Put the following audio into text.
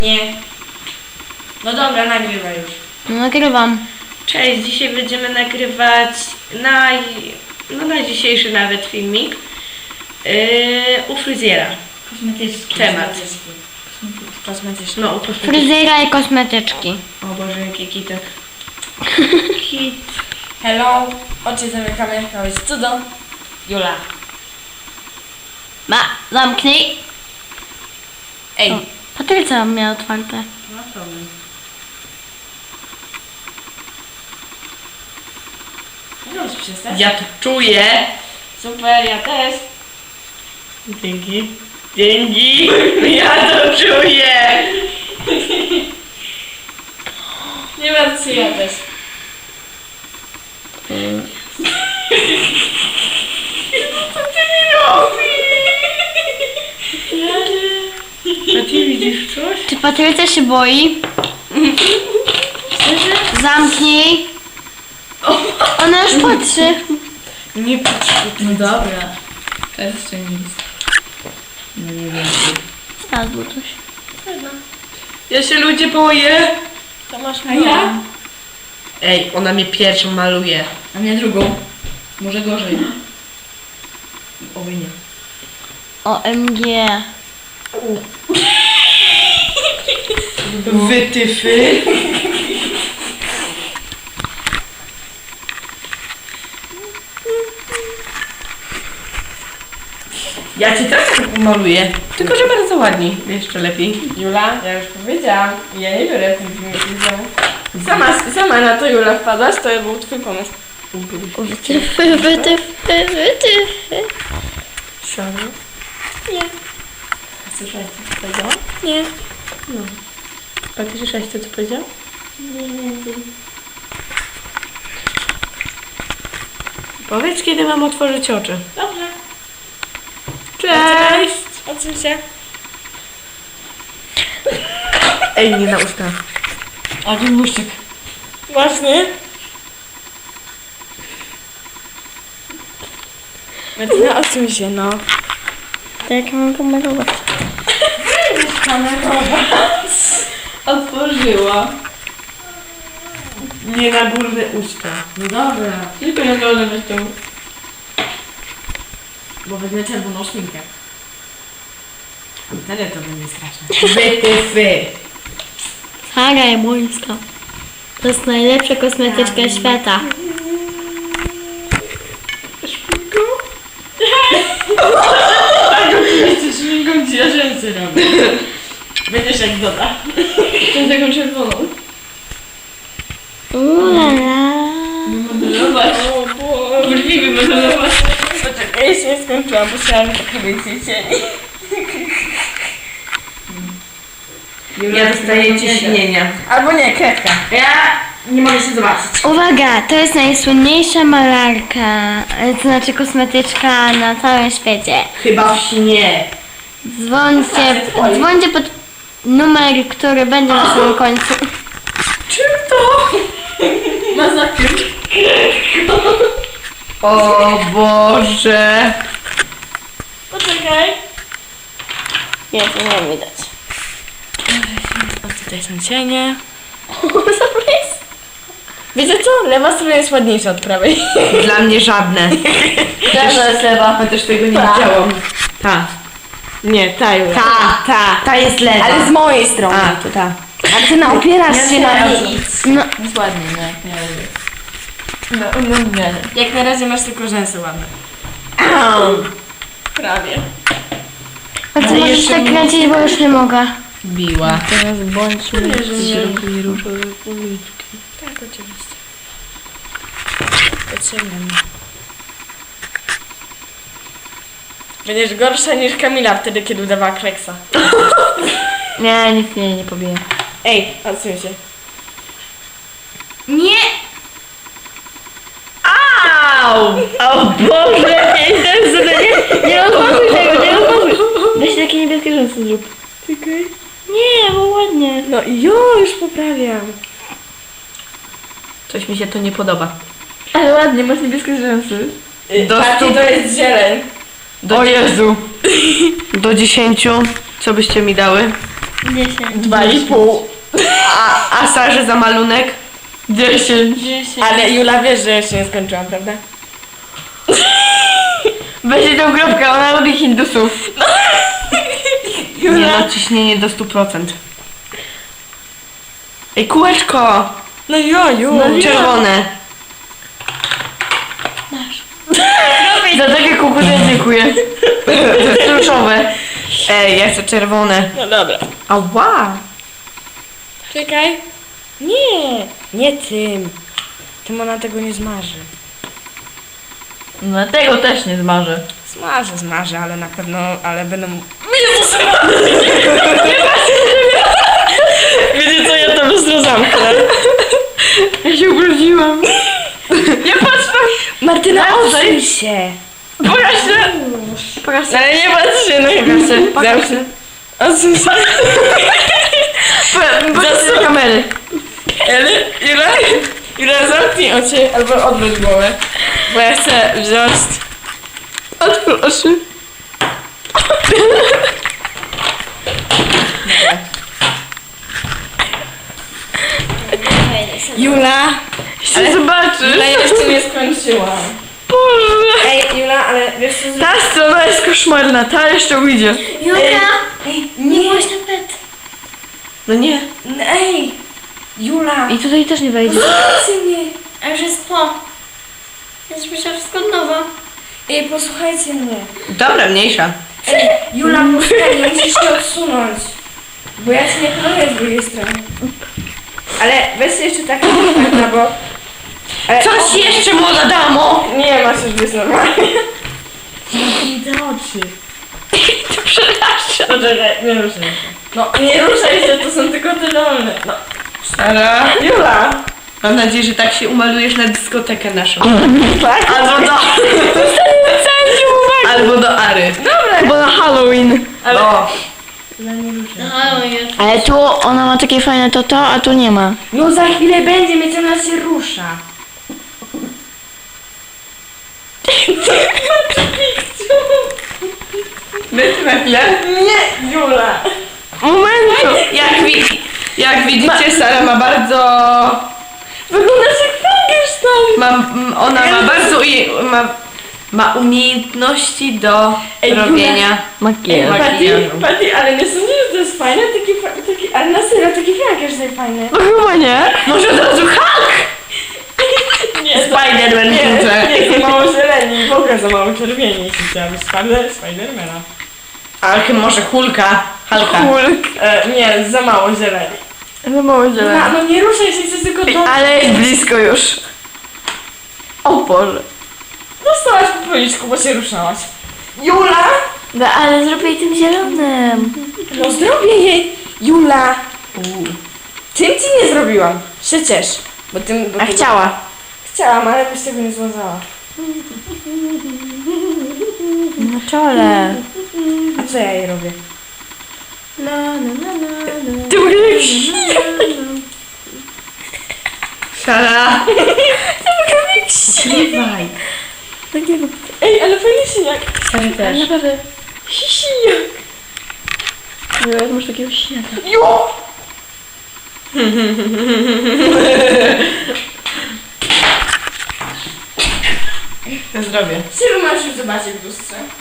Nie. No dobra, nagrywaj już. No, nagrywam. Cześć, dzisiaj będziemy nagrywać na dzisiejszy nawet filmik u fryzjera. Kosmetyczki. Temat. Kosmetyczki. No, u kosmetyczki. Fryzjera i kosmetyczki. O Boże, jaki kitek. Kit. Hello. Oczy zamykamy. To jest cudo. Jula. Zamknij. Ej. O, Patrycja miała otwarte. No problem. Możesz przestać? Ja to czuję. Super, ja też. Dzięki. Dzięki. Ja to czuję. Nie martw się, ja też. Co ty mi robisz? A ty widzisz coś? Czy Patrycja się boi? Zamknij. Ona już patrzy. Nie patrz. No dobra. To jest jeszcze nic. No nie wiem. Znalazło coś. Ja się ludzie boję. To masz A ja? Ej, ona mnie pierwszą maluje. A mnie drugą. Może gorzej. Oby nie. OMG. Wytyfy. Ja cię też tak maluję. Tylko, że bardzo ładnie. Jeszcze lepiej. Jula, ja już powiedziałam. Ja nie biorę tych filmów. Sama na to Jula wpadłaś, to był twój pomysł. Wytyfy, wytyfy, wytyfy. Sorry. Nie, Słyszałeś, co powiedziałam? nie. A ty słyszałeś to, co powiedziałam? Nie. Powiedz, kiedy mam otworzyć oczy. Dobrze. Cześć! Odsuń się. Ej, nie na usta. A tu błyszczyk. Właśnie. Martyna, odsuń się, no. To jak mam kamerować? Otworzyła. Nie na górne usta. No dobra. Tylko na dole weź tą. Bo wezmę czerwoną szminkę. Wtedy to będzie straszne. Wytyfy. Sara Jabońska. To jest najlepsza kosmetyczka świata. Jeszcze szminką ci ja rzęsy robię. Będziesz jak Doda. Tą taką czerwoną. Ulala. Modelować. Brwi wymodelować. Poczekaj, jeszcze nie skończyłam, bo chciałam trochę więcej cieni. Ja dostaję ciśnienia. Albo nie, kredka. Ja nie mogę się zobaczyć. Uwaga, to jest najsłynniejsza malarka, to znaczy kosmetyczka na całym świecie. Chyba w śnie. Dzwońcie pod numer, który będzie na samym końcu. Czym to? Ma zapiąć. O Boże. Poczekaj. Nie, to nie widać. O, tutaj są cienie. Wiecie co? Lewa strona jest ładniejsza od prawej. Dla mnie żadne. Też jest lewa. Ja też tego nie widziałam. Ta. Nie, ta już. Ta jest lewa. Ale z mojej strony. A, to ta. Ale ty opierasz się na nic. No, Jest ładnie, no jak nie lubię. Jak na razie masz tylko rzęsy ładne. Prawie. a ty możesz tak kręcić, bo już nie mogę. Biła. Teraz bądźmy Zrobili różowe policzki. Tak, oczywiście. Potrzebne mi. Będziesz gorsza niż Kamila wtedy, kiedy udawała Kleksa. Nie, nic mnie nie pobije. Ej, odsuń się. Nie! Au! O Boże! Nie rozmazuj tego, nie rozmazuj. Weź takie niebieskie rzęsy zrób. Czekaj. Nie, bo ładnie. No i już poprawiam. Coś mi się to nie podoba. Ale ładnie, masz niebieskie rzęsy. Do Bardziej stóp. to jest zieleń. O Jezu! Do 10. Co byście mi dały? 10. 2,5. A Sarze za malunek? 10. 10. Ale Jula, wiesz, że jeszcze nie skończyłam, prawda? Weź tą kropkę, ona lubi hindusów. Nie Jula. no, ciśnienie do 100%. Ej, kółeczko! No joju. Czerwone. Za takie kukury dziękuję. To jest różowe. Ej, ja chcę czerwone. No dobra. Ała! Czekaj. Nie. Nie tym. Tym ona tego nie zmarzy. No tego też nie zmarzę. Zmarzy, ale na pewno, ale będą... Wiecie co, ja to bystro zamknę. Ja się ubrudziłam. Nie patrz na... Martyna, Odsuń odsuń się. Pokaż się! Pokaż się. Ale nie patrz się, no Pokaż się. Odsuń się. Pokaż się do kamery. Ale Jula, zamknij oczy albo odwróć głowę. Bo ja chcę wziąć... Otwórz oczy. Jula. Ale zobaczysz. Jula, ja jeszcze nie skończyłam. Boże. Ej, Jula, ale wiesz co... Ta strona jest koszmarna, ta jeszcze ujdzie. Julka, Ej, nie nie. byłaś na pet. No nie. Ej, Jula. I tutaj też nie wejdzie. Posłuchajcie mnie. A już jest po. Jest myślałam wszystko od nowa. Ej, posłuchajcie mnie. Dobra, mniejsza. Ej, Jula, posłuchaj, musisz się odsunąć. Bo ja się nie planuję z drugiej strony. Ale weź jeszcze tak, no bo... Ale Coś jeszcze, młoda damo? Nie, masz już być normalnie. Idę oczy. To przeraża. Poczekaj, nie ruszaj się. No, nie ruszaj się, to są tylko te dolne. No. Sara. Jula! Mam nadzieję, że tak się umalujesz na dyskotekę naszą. Tak? Albo do... Albo do Ary. Dobra. Albo na Halloween. Ale... O. Jula, nie ruszaj. No ale jest. Ale tu ona ma takie fajne to, a tu nie ma. No za chwilę będzie, mieć ona się rusza. Będzie na chwilę? Nie, Jula. Momentu. Jak widzicie, Sara ma bardzo... Wyglądasz jak Frankenstein. Ona ma bardzo... Ma umiejętności do Ej, robienia Makijaż. Patty, ale nie sądzisz, że to jest fajne? Taki, ale na serio, taki Frankenstein fajny. No chyba nie. Może od razu Hulk! Nie, Spider-Man nie, wrzucę. nie, za mało zieleni, w ogóle za mało czerwieni, jeśli chciałabym Spidermana. Ale może Hulka. Hulka. Hulk. Nie, za mało zieleni. No mało No nie ruszaj się, chcę tylko do... Ale jest blisko już. O Boże. Dostałaś po policzku, bo się ruszałaś. Jula! No ale zrobię jej tym zielonym. No zrobię jej! Jula! Tym ci nie zrobiłam. Się ciesz. Bo tym... Bo A tego- chciała. Chciałam, ale byś tego nie związała. Na czole. A co ja jej robię? Ty Sara. Śpiewaj. Ej, ale fajny siniak. Sara też. Naprawdę. Siniak. Jak masz takiego śniaka. Jo! Na zdrowie. Ciebie masz już zobaczyć w lustrze.